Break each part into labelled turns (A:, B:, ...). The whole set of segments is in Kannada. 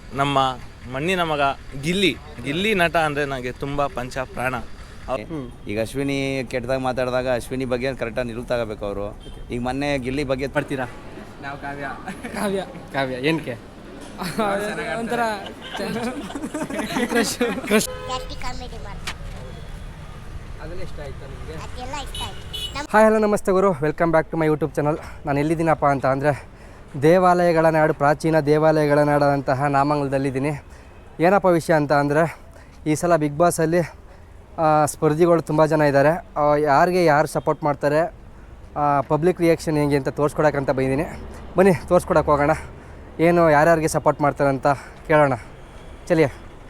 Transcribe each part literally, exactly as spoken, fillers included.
A: ನಮ್ಮ ಮಣ್ಣಿನ ಮಗ ಗಿಲ್ಲಿ ಗಿಲ್ಲಿ ನಟ ಅಂದರೆ ನನಗೆ ತುಂಬ ಪಂಚ ಪ್ರಾಣ.
B: ಈಗ ಅಶ್ವಿನಿ ಕೆಟ್ಟದಾಗ ಮಾತಾಡಿದಾಗ ಅಶ್ವಿನಿ ಬಗ್ಗೆ ಕರೆಕ್ಟಾಗಿ ನಿಲುವು ತಗೋಬೇಕು ಅವರು. ಈಗ ಮೊನ್ನೆ ಗಿಲ್ಲಿ ಬಗ್ಗೆ
C: ಬರ್ತೀರಾ?
D: ನಾವು ಕಾವ್ಯ
C: ಕಾವ್ಯ ಕಾವ್ಯ ಏನಕ್ಕೆ
D: ಒಂಥರ
C: ಕ್ರಶ್ ಕ್ರಶ್
E: ಕಾಮಿಡಿ ಮಾಡ್ತಾರೆ,
C: ಅದೆಲ್ಲ ಇಷ್ಟ ಆಯ್ತಾ ನಿಮಗೆ?
E: ಅದೆಲ್ಲ ಇಷ್ಟ ಆಯ್ತು.
C: ಹಾಯ್ ಹಲೋ ನಮಸ್ತೆ ಗುರು, welcome back to my YouTube channel. ನಾನು ಎಲ್ಲಿದ್ದೀನಪ್ಪ ಅಂತ ಅಂದರೆ ದೇವಾಲಯಗಳ ನಾಡು, ಪ್ರಾಚೀನ ದೇವಾಲಯಗಳ ನಾಡಂತಹ ನಾಮಂಗಲದಲ್ಲಿದ್ದೀನಿ. ಏನಪ್ಪ ವಿಷಯ ಅಂತ ಅಂದರೆ ಈ ಸಲ ಬಿಗ್ ಬಾಸಲ್ಲಿ ಸ್ಪರ್ಧಿಗಳು ತುಂಬ ಜನ ಇದ್ದಾರೆ. ಯಾರಿಗೆ ಯಾರು ಸಪೋರ್ಟ್ ಮಾಡ್ತಾರೆ, ಪಬ್ಲಿಕ್ ರಿಯಾಕ್ಷನ್ ಹೇಗೆ ಅಂತ ತೋರಿಸ್ಕೊಡೋಕ್ಕಂತ ಬಂದಿದ್ದೀನಿ. ಬನ್ನಿ ತೋರಿಸ್ಕೊಡಕ್ಕೆ ಹೋಗೋಣ, ಏನು ಯಾರ್ಯಾರಿಗೆ ಸಪೋರ್ಟ್ ಮಾಡ್ತಾರೆ ಅಂತ ಕೇಳೋಣ. ಚಲಿಯ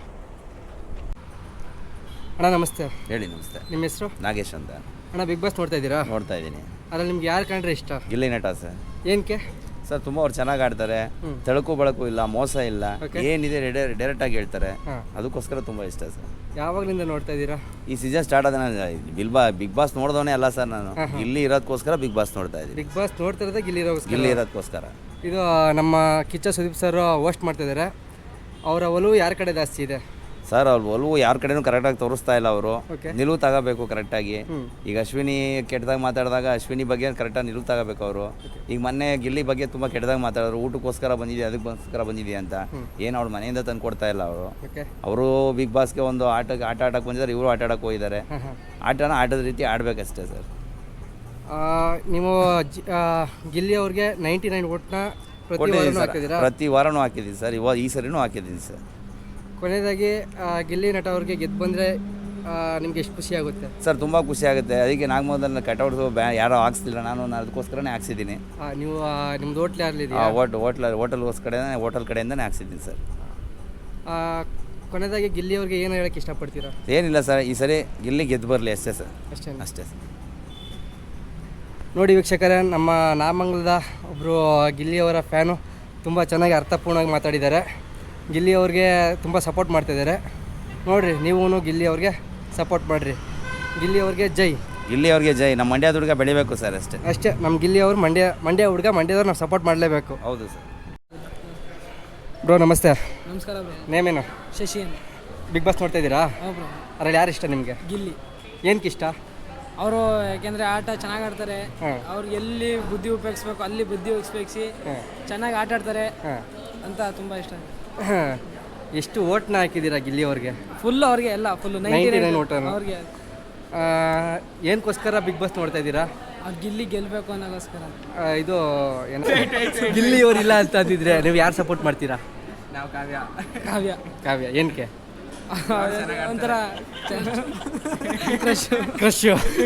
C: ಅಣ್ಣ ನಮಸ್ತೆ.
B: ಹೇಳಿ. ನಮಸ್ತೆ.
C: ನಿಮ್ಮ ಹೆಸರು?
B: ನಾಗೇಶ್ ಅಂತ.
C: ಅಣ್ಣ ಬಿಗ್ ಬಾಸ್ ನೋಡ್ತಾ ಇದ್ದೀರಾ?
B: ನೋಡ್ತಾ ಇದ್ದೀನಿ.
C: ಅದ್ರಲ್ಲಿ ನಿಮ್ಗೆ ಯಾರು ಕಂಡ್ರೆ ಇಷ್ಟ?
B: ಗಿಲ್ಲಿ ನಟ ಸರ್.
C: ಏನಕ್ಕೆ
B: ಸರ್ ತುಂಬ ಅವ್ರು ಚೆನ್ನಾಗಿ ಆಡ್ತಾರೆ, ತಳಕು ಬಳಕು ಇಲ್ಲ, ಮೋಸ ಇಲ್ಲ, ಏನಿದೆ ಡೈರೆಕ್ಟಾಗಿ ಹೇಳ್ತಾರೆ, ಅದಕ್ಕೋಸ್ಕರ ತುಂಬ ಇಷ್ಟ ಸರ್.
C: ಯಾವಾಗಲಿಂದ ನೋಡ್ತಾ ಇದ್ದೀರಾ?
B: ಈ ಸೀಸನ್ ಸ್ಟಾರ್ಟ್ ಆದ ಬಿಲ್ ಬಾ ಬಿಗ್ ಬಾಸ್ ನೋಡ್ದವನೇ ಅಲ್ಲ ಸರ್ ನಾನು, ಇಲ್ಲಿ ಇರೋದಕ್ಕೋಸ್ಕರ ಬಿಗ್ ಬಾಸ್ ನೋಡ್ತಾ ಇದ್ದೀನಿ.
C: ಬಿಗ್ ಬಾಸ್ ನೋಡ್ತಾ ಇರೋದೇ ಗಿಲ್ಲಿ ಇರೋ
B: ಇಲ್ಲಿ ಇರೋದಕ್ಕೋಸ್ಕರ.
C: ಇದು ನಮ್ಮ ಕಿಚ್ಚ ಸುದೀಪ್ ಸರ್ ಹೋಸ್ಟ್ ಮಾಡ್ತಿದ್ದಾರೆ. ಅವರ ಒಲವು ಯಾರ ಕಡೆ ಜಾಸ್ತಿ ಇದೆ
B: ಸರ್? ಅವ್ರು ಒಲವು ಯಾರ ಕಡೆನೂ ಕರೆಕ್ಟಾಗಿ ತೋರಿಸ್ತಾ ಇಲ್ಲ ಅವರು. ನಿಲುವು ತಗೋಬೇಕು ಕರೆಕ್ಟಾಗಿ. ಈಗ ಅಶ್ವಿನಿ ಕೆಟ್ಟದಾಗ ಮಾತಾಡಿದಾಗ ಅಶ್ವಿನಿ ಬಗ್ಗೆ ಕರೆಕ್ಟಾಗಿ ನಿಲುವು ತಗೋಬೇಕು ಅವರು. ಈಗ ಮೊನ್ನೆ ಗಿಲ್ಲಿ ಬಗ್ಗೆ ತುಂಬ ಕೆಟ್ಟದಾಗ ಮಾತಾಡೋರು, ಊಟಕ್ಕೋಸ್ಕರ ಬಂದಿದೆ ಅದಕ್ಕೋಸ್ಕರ ಬಂದಿದೆ ಅಂತ. ಏನು ಅವ್ರ ಮನೆಯಿಂದ ತಂದು ಕೊಡ್ತಾ ಇಲ್ಲ ಅವರು. ಅವರು ಬಿಗ್ ಬಾಸ್ಗೆ ಒಂದು ಆಟಕ್ಕೆ ಆಟ ಆಡಕ್ಕೆ ಬಂದಿದ್ದಾರೆ, ಇವರು ಆಟ ಆಡಕ್ಕೆ ಹೋಗಿದ್ದಾರೆ. ಆಟನ ಆಟದ ರೀತಿ ಆಡಬೇಕಷ್ಟೇ ಸರ್.
C: ನೀವು ಗಿಲ್ಲಿ ಅವ್ರಿಗೆ ನೈಂಟಿ ನೈನ್ ಓಟ್ನ
B: ಪ್ರತಿ ವಾರನೂ ಹಾಕಿದ್ದೀನಿ ಸರ್. ಇವಾಗ ಈ ಸರಿನೂ ಹಾಕಿದ್ದೀನಿ ಸರ್.
C: ಕೊನೆಯದಾಗಿ ಗಿಲ್ಲಿ ನಟ ಅವ್ರಿಗೆ ಗೆದ್ದು ಬಂದರೆ ನಿಮ್ಗೆ ಎಷ್ಟು ಖುಷಿ ಆಗುತ್ತೆ
B: ಸರ್? ತುಂಬ ಖುಷಿ ಆಗುತ್ತೆ. ಅದಕ್ಕೆ ನಾಗಮೋದಲ್ಲಿ ಕಟೌಟ್ಸು ಬ್ಯಾ ಯಾರೋ ಹಾಕ್ಸ್ತಿಲ್ಲ, ನಾನು ಅದಕ್ಕೋಸ್ಕರನೇ ಹಾಕ್ಸಿದ್ದೀನಿ.
C: ನೀವು ನಿಮ್ದು ಹೋಟ್ಲ್ ಯಾರಲ್ಲಿದೆ?
B: ಹೋಟ್ ಹೋಟ್ಲ ಹೋಟೆಲ್ಗೋಸ್ಕರ ಹೋಟೆಲ್ ಕಡೆಯಿಂದನೇ ಹಾಕ್ಸಿದ್ದೀನಿ ಸರ್.
C: ಕೊನೆಯದಾಗಿ ಗಿಲ್ಲಿ ಅವ್ರಿಗೆ ಏನು ಹೇಳೋಕ್ಕೆ ಇಷ್ಟಪಡ್ತೀರಾ?
B: ಏನಿಲ್ಲ ಸರ್, ಈ ಸರಿ ಗಿಲ್ಲಿ ಗೆದ್ದು ಬರಲಿ ಅಷ್ಟೇ ಸರ್.
C: ಅಷ್ಟೇ
B: ಅಷ್ಟೇ ಸರ್.
C: ನೋಡಿ ವೀಕ್ಷಕರೇ, ನಮ್ಮ ನಾಮಂಗಲದ ಒಬ್ಬರು ಗಿಲ್ಲಿಯವರ ಫ್ಯಾನು ತುಂಬ ಚೆನ್ನಾಗಿ ಅರ್ಥಪೂರ್ಣವಾಗಿ ಮಾತಾಡಿದ್ದಾರೆ. ಗಿಲ್ಲಿ ಅವ್ರಿಗೆ ತುಂಬ ಸಪೋರ್ಟ್ ಮಾಡ್ತಿದ್ದಾರೆ. ನೋಡಿರಿ, ನೀವು ಗಿಲ್ಲಿ ಅವ್ರಿಗೆ ಸಪೋರ್ಟ್ ಮಾಡಿರಿ. ಗಿಲ್ಲಿ ಅವ್ರಿಗೆ ಜೈ.
B: ಗಿಲ್ಲಿ ಅವ್ರಿಗೆ ಜೈ. ನಮ್ಮ ಮಂಡ್ಯದ ಹುಡುಗ ಬೆಳಿಬೇಕು ಸರ್, ಅಷ್ಟೇ
C: ಅಷ್ಟೇ. ನಮ್ಮ ಗಿಲ್ಲಿ ಅವರು ಮಂಡ್ಯ ಮಂಡ್ಯ ಹುಡುಗ, ಮಂಡ್ಯದವ್ರು ನಾವು ಸಪೋರ್ಟ್ ಮಾಡಲೇಬೇಕು.
B: ಹೌದು ಸರ್.
C: ಬ್ರೋ ನಮಸ್ತೆ.
D: ನಮಸ್ಕಾರ ಬ್ರೋ.
C: ನೇಮೇನು?
D: ಶಶಿ ಅಂತ.
C: ಬಿಗ್ ಬಾಸ್ ನೋಡ್ತಾ ಇದ್ದೀರಾ?
D: ಹೌದು ಬ್ರೋ.
C: ಅದ್ರಲ್ಲಿ ಯಾರು ಇಷ್ಟ ನಿಮಗೆ?
D: ಗಿಲ್ಲಿ.
C: ಏನಕ್ಕೆ ಇಷ್ಟ?
D: ಅವರು ಯಾಕೆಂದರೆ ಆಟ ಚೆನ್ನಾಗಿ ಆಡ್ತಾರೆ. ಅವ್ರಿಗೆ ಎಲ್ಲಿ ಬುದ್ಧಿ ಉಪಯೋಗಿಸ್ಬೇಕು ಅಲ್ಲಿ ಬುದ್ಧಿ ಉಪಯೋಗಿಸಿ ಚೆನ್ನಾಗಿ ಆಟ ಆಡ್ತಾರೆ ಅಂತ ತುಂಬ ಇಷ್ಟ.
C: ಎಷ್ಟು ಓಟ್ನ ಹಾಕಿದ್ದೀರಾ ಗಿಲ್ಲಿ ಅವ್ರಿಗೆ?
D: ಫುಲ್ ಅವ್ರಿಗೆ ಎಲ್ಲ ಫುಲ್
C: ನೈಂಟಿ ನೈನ್ ಓಟ್
D: ಅವ್ರಿಗೆ.
C: ಏನಕ್ಕೋಸ್ಕರ ಬಿಗ್ ಬಾಸ್ ನೋಡ್ತಾ ಇದ್ದೀರಾ?
D: ಅವ್ರು ಗಿಲ್ಲಿ ಗೆಲ್ಲಬೇಕು ಅನ್ನೋಗೋಸ್ಕರ.
C: ಇದು ಏನು ಗಿಲ್ಲಿ ಅವ್ರು ಇಲ್ಲ ಅಂತ ಅಂದಿದ್ರೆ ನೀವು ಯಾರು ಸಪೋರ್ಟ್ ಮಾಡ್ತೀರಾ?
D: ನಾವು ಕಾವ್ಯ ಕಾವ್ಯ
C: ಕಾವ್ಯ ಏನಕ್ಕೆ?
D: ಒಂಥರ ಕ್ರಶ್
C: ಕ್ರಶ್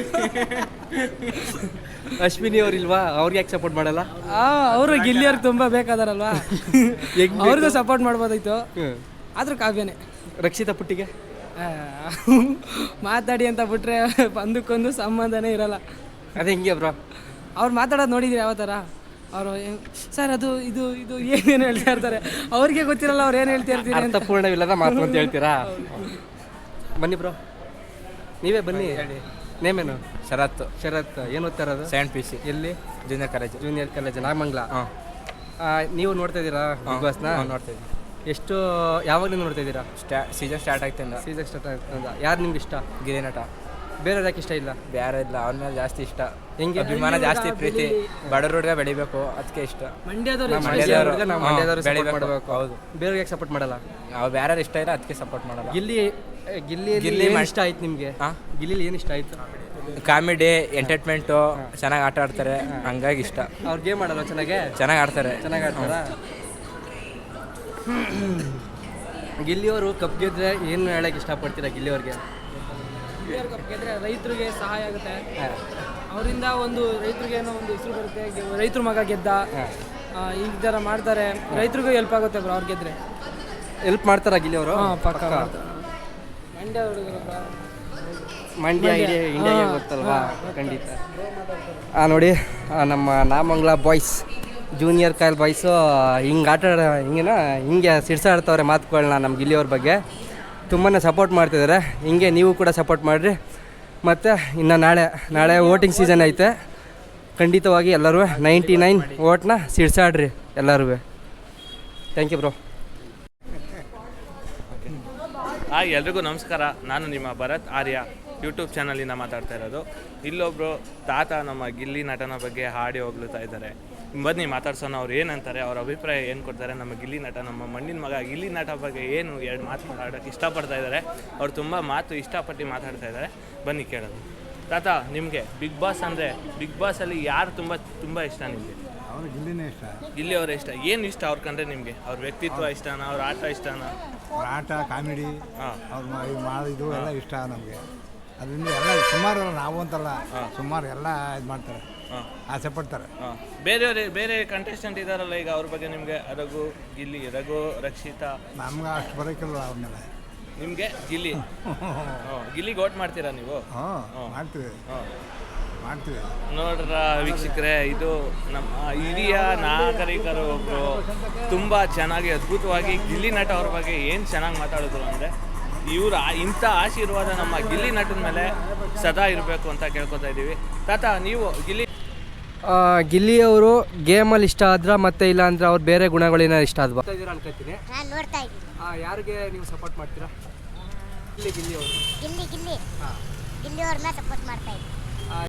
C: ಅಶ್ವಿನಿ ಅವ್ರು ಇಲ್ವಾ? ಅವ್ರಿಗೆ ಯಾಕೆ ಸಪೋರ್ಟ್ ಮಾಡಲ್ಲ?
D: ಅವರು ಗಿಲ್ಲಿ ಅವ್ರಿಗೆ ತುಂಬ ಬೇಕಾದಾರಲ್ವಾ, ಅವ್ರಿಗೂ ಸಪೋರ್ಟ್ ಮಾಡ್ಬೋದಾಯ್ತು. ಆದರೂ ಕಾವ್ಯನೇ.
C: ರಕ್ಷಿತಾ ಪುಟ್ಟಿಗೆ
D: ಮಾತಾಡಿ ಅಂತ ಬಿಟ್ರೆ ಒಂದಕ್ಕೊಂದು ಸಂಬಂಧನೇ ಇರಲ್ಲ.
C: ಅದೇ ಹಿಂಗೆ ಬ್ರೋ.
D: ಅವ್ರು ಮಾತಾಡೋದು ನೋಡಿದ್ದೀರಿ ಯಾವ ಥರ? ಅವರು ಸರ್ ಅದು ಇದು ಇದು ಏನೇನು ಹೇಳ್ತಾ ಇರ್ತಾರೆ, ಅವ್ರಿಗೆ ಗೊತ್ತಿರಲ್ಲ ಅವ್ರು ಏನು ಹೇಳ್ತಾ ಇರ್ತೀರಿ.
C: ಅರ್ಥಪೂರ್ಣವಿಲ್ಲದ ಮಾತು ಅಂತ ಹೇಳ್ತೀರಾ? ಬನ್ನಿ ಬ್ರೋ, ನೀವೇ ಬನ್ನಿ. ನೇಮೇನು?
A: ಶರತ್.
C: ಶರತ್. ಏನು ಓದ್ತಾ ಇರೋದು?
A: Seventh P C.
C: ಎಲ್ಲಿ?
A: Junior college.
C: Junior college Nagamangala. ಹಾಂ. ನೀವು ನೋಡ್ತಾ ಇದ್ದೀರಾ ಬಿಗ್ ಬಾಸ್ನ?
A: ನೋಡ್ತಾ ಇದ್ದೀನಿ.
C: ಎಷ್ಟು ಯಾವಾಗಲೂ ನೋಡ್ತಾ ಇದ್ದೀರಾ?
A: ಸ್ಟಾ ಸೀಸನ್ ಸ್ಟಾರ್ಟ್ ಆಗ್ತಿಂದ.
C: ಸೀಸನ್ ಸ್ಟಾರ್ಟ್ ಆಗ್ತದ. ಯಾರು ನಿಮ್ಗೆ ಇಷ್ಟ?
A: ಗಿಲ್ಲಿ ನಟ.
C: ಬೇರೆ ಯಾಕೆ ಇಷ್ಟ ಇಲ್ಲ?
A: ಬೇರೆ ಇಲ್ಲ, ಅವ್ರ ಮೇಲೆ ಜಾಸ್ತಿ ಇಷ್ಟ.
C: ಹೆಂಗೆ?
A: ಅಭಿಮಾನ ಜಾಸ್ತಿ, ಪ್ರೀತಿ. ಬಡವ್ರ ಹುಡುಗ ಬೆಳಿಬೇಕು, ಅದಕ್ಕೆ ಇಷ್ಟ.
D: ಮಂಡ್ಯದವ್ರು
C: ನಾವು ಮಂಡ್ಯದವ್ರು ಸಪೋರ್ಟ್ ಮಾಡಬೇಕು.
A: ಹೌದು.
C: ಬೇರೆ ಯಾಕೆ ಸಪೋರ್ಟ್ ಮಾಡಲ್ಲ?
A: ನಾವು ಬೇರೆ ಇಷ್ಟ ಇಲ್ಲ, ಅದಕ್ಕೆ ಸಪೋರ್ಟ್ ಮಾಡಲ್ಲ.
C: ಗಿಲ್ಲಿ ಗಿಲ್ಲಿ
A: ಗಿಲ್ಲಿ
C: ಏನು ಇಷ್ಟ ಆಯ್ತು ನಿಮಗೆ? ಗಿಲ್ಲಿ ಏನು ಇಷ್ಟ ಆಯ್ತು?
A: ಕಾಮಿಡಿ, ಎಂಟರ್ಟೈನ್ಮೆಂಟು, ಚೆನ್ನಾಗಿ ಆಟ ಆಡ್ತಾರೆ, ಹಂಗಾಗಿ ಇಷ್ಟ.
C: ಅವ್ರು ಗೇಮ್ ಆಡಲ್ಲ? ಚೆನ್ನಾಗೆ ಚೆನ್ನಾಗಿ
A: ಆಡ್ತಾರೆ.
C: ಚೆನ್ನಾಗಿ ಆಡ್ತಾರಾ? ಗಿಲ್ಲಿಯವರು ಕಪ್ ಗೆದ್ರೆ ಏನು ಹೇಳಕ್ಕೆ ಇಷ್ಟಪಡ್ತೀರಾ ಗಿಲ್ಲಿಯವ್ರಿಗೆ?
D: ಕಪ್ ಗೆದ್ರೆ ರೈತರಿಗೆ ಸಹಾಯ ಆಗುತ್ತೆ. ಅವರಿಂದ ಒಂದು ರೈತರಿಗೆ ಏನೋ ಒಂದು ಹೆಸರು ಬರುತ್ತೆ, ರೈತರ ಮಗ ಗೆದ್ದ ಈ ಥರ ಮಾಡ್ತಾರೆ. ರೈತರಿಗೂ ಹೆಲ್ಪ್ ಆಗುತ್ತೆ ಬ್ರೋ ಅವ್ರು ಗೆದ್ರೆ.
C: ಹೆಲ್ಪ್ ಮಾಡ್ತಾರಾ ಗಿಲ್ಲಿಯವರು?
D: ಹಾಂ, ಪಕ್ಕ. ಮಂಡ್ಯ ಹುಡುಗರು,
C: ಮಂಡ್ಯ ಇಡೀ ಇಂಡಿಯಾಗೆ ಗೊತ್ತಲ್ವಾ? ಖಂಡಿತ. ಹಾಂ ನೋಡಿ, ನಮ್ಮ Namangala boys, junior college boys ಹಿಂಗೆ ಆಟ ಆಡ ಹಿಂಗೇನ ಹಿಂಗೆ ಸಿಡ್ಸಾಡ್ತವ್ರೆ ಮಾತುಗಳನ್ನ ನಮ್ಮ ಗಿಲ್ಲಿಯವ್ರ ಬಗ್ಗೆ. ತುಂಬಾ ಸಪೋರ್ಟ್ ಮಾಡ್ತಿದ್ದಾರೆ. ಹಿಂಗೆ ನೀವು ಕೂಡ ಸಪೋರ್ಟ್ ಮಾಡಿರಿ. ಮತ್ತು ಇನ್ನು ನಾಳೆ ನಾಳೆ ವೋಟಿಂಗ್ ಸೀಸನ್ ಐತೆ. ಖಂಡಿತವಾಗಿ ಎಲ್ಲರೂ ನೈಂಟಿ ನೈನ್ ಓಟ್ನ ಸಿಡ್ಸಾಡ್ರಿ ಎಲ್ಲರೂ. Thank you bro.
A: ಹಾಯ್ ಎಲ್ರಿಗೂ ನಮಸ್ಕಾರ. ನಾನು ನಿಮ್ಮ ಭರತ್ ಆರ್ಯ ಯೂಟ್ಯೂಬ್ ಚಾನಲಿಂದ ಮಾತಾಡ್ತಾ ಇರೋದು. ಇಲ್ಲೊಬ್ಬರು ತಾತ ನಮ್ಮ ಗಿಲ್ಲಿ ನಟನ ಬಗ್ಗೆ ಹಾಡಿ ಹೋಗ್ಲುತ್ತಾ ಇದ್ದಾರೆ. ಬನ್ನಿ ಮಾತಾಡ್ಸೋಣ, ಅವ್ರು ಏನಂತಾರೆ, ಅವ್ರ ಅಭಿಪ್ರಾಯ ಏನು ಕೊಡ್ತಾರೆ. ನಮ್ಮ ಗಿಲ್ಲಿ ನಟ, ನಮ್ಮ ಮಣ್ಣಿನ ಮಗ ಗಿಲ್ಲಿ ನಟ ಬಗ್ಗೆ ಏನು ಎರಡು ಮಾತು ಮಾತಾಡೋಕ್ಕೆ ಇಷ್ಟಪಡ್ತಾ ಇದ್ದಾರೆ. ಅವ್ರು ತುಂಬ ಮಾತು ಇಷ್ಟಪಟ್ಟು ಮಾತಾಡ್ತಾ ಇದ್ದಾರೆ. ಬನ್ನಿ ಕೇಳೋದು. ತಾತ, ನಿಮಗೆ ಬಿಗ್ ಬಾಸ್ ಅಂದರೆ ಬಿಗ್ ಬಾಸಲ್ಲಿ ಯಾರು ತುಂಬ ತುಂಬ ಇಷ್ಟ ನಿಮಗೆ?
F: ಅವ್ರು ಗಿಲ್ಲಿನೇ ಇಷ್ಟ.
A: ಗಿಲ್ಲಿ ಅವರ ಇಷ್ಟ. ಏನು ಇಷ್ಟ ಅವ್ರ ಕಂಡ್ರೆ ನಿಮಗೆ? ಅವ್ರ ವ್ಯಕ್ತಿತ್ವ ಇಷ್ಟನಾ, ಅವ್ರ ಆಟ ಇಷ್ಟನಾ?
F: ಅವ್ರ ಆಟ, ಕಾಮಿಡಿ,
A: ಹಾಂ,
F: ಅವ್ರು ಮಾಡಿದ್ದು ಎಲ್ಲ ಇಷ್ಟ ನಮಗೆ. ಅದರಿಂದ ಎಲ್ಲ ಸುಮಾರು ನಾವು ಅಂತಲ್ಲ, ಸುಮಾರು ಎಲ್ಲ ಇದು ಮಾಡ್ತಾರೆ,
A: ಹಾಂ,
F: ಆಸೆ ಪಡ್ತಾರೆ.
A: ಹಾಂ. ಬೇರೆಯವ್ರೆ ಬೇರೆ ಕಂಟೆಸ್ಟೆಂಟ್ ಇದ್ದಾರಲ್ಲ ಈಗ, ಅವ್ರ ಬಗ್ಗೆ ನಿಮಗೆ? ರಘು, ಗಿಲ್ಲಿ, ರಘು, ರಕ್ಷಿತಾ.
F: ನಮ್ಗೆ ಅಷ್ಟು ಬರೋಕ್ಕಿಲ್ಲ ಅವ್ರ ಮೇಲೆ.
A: ನಿಮಗೆ ಗಿಲ್ಲಿ? ಹಾಂ, ಗಿಲ್ಲಿಗೆ ಓಟ್ ಮಾಡ್ತೀರಾ ನೀವು?
F: ಹಾಂ, ಮಾಡ್ತೀವಿ
A: ಹಾಂ,
F: ಮಾಡ್ತೀವಿ.
A: ನೋಡ್ರ ವೀಕ್ಷಕರೇ, ಇದು ನಮ್ಮ ಹಿರಿಯ ನಾಗರಿಕರು ಒಬ್ಬರು ತುಂಬ ಚೆನ್ನಾಗಿ ಅದ್ಭುತವಾಗಿ ಗಿಲ್ಲಿ ನಟ ಅವ್ರ ಬಗ್ಗೆ ಏನು ಚೆನ್ನಾಗಿ ಮಾತಾಡಿದ್ರು ಅಂದರೆ, ಇವ್ರ ಇಂಥ ಆಶೀರ್ವಾದ ನಮ್ಮ ಗಿಲ್ಲಿ ನಟನ ಮೇಲೆ ಸದಾ ಇರಬೇಕು ಅಂತ ಕೇಳ್ಕೊತಾ ಇದ್ದೀವಿ. ತಾತ, ನೀವು ಗಿಲ್ಲಿ
C: ಆ, ಗಿಲ್ಲಿಯವರು ಗೇಮಲ್ಲಿ ಇಷ್ಟ ಆದ್ರ ಮತ್ತೆ ಇಲ್ಲ ಅಂದ್ರೆ ಅವ್ರು ಬೇರೆ ಗುಣಗಳೇನ ಇಷ್ಟ ಆದ್ವಾ ಅನ್ಕೋತೀನಿ.
E: ನಾನು ನೋಡ್ತಾ ಇದ್ದೀನಿ.
C: ಯಾರಿಗೆ ನೀವು ಸಪೋರ್ಟ್ ಮಾಡ್ತೀರಾ? ಗಿಲ್ಲಿ ಗಿಲ್ಲಿ ಅವರು
E: ಗಿಲ್ಲಿ ಗಿಲ್ಲಿ ಗಿಲ್ಲಿ ಅವ್ರನ್ನ ಸಪೋರ್ಟ್ ಮಾಡ್ತಾ ಇದ್ದೀನಿ.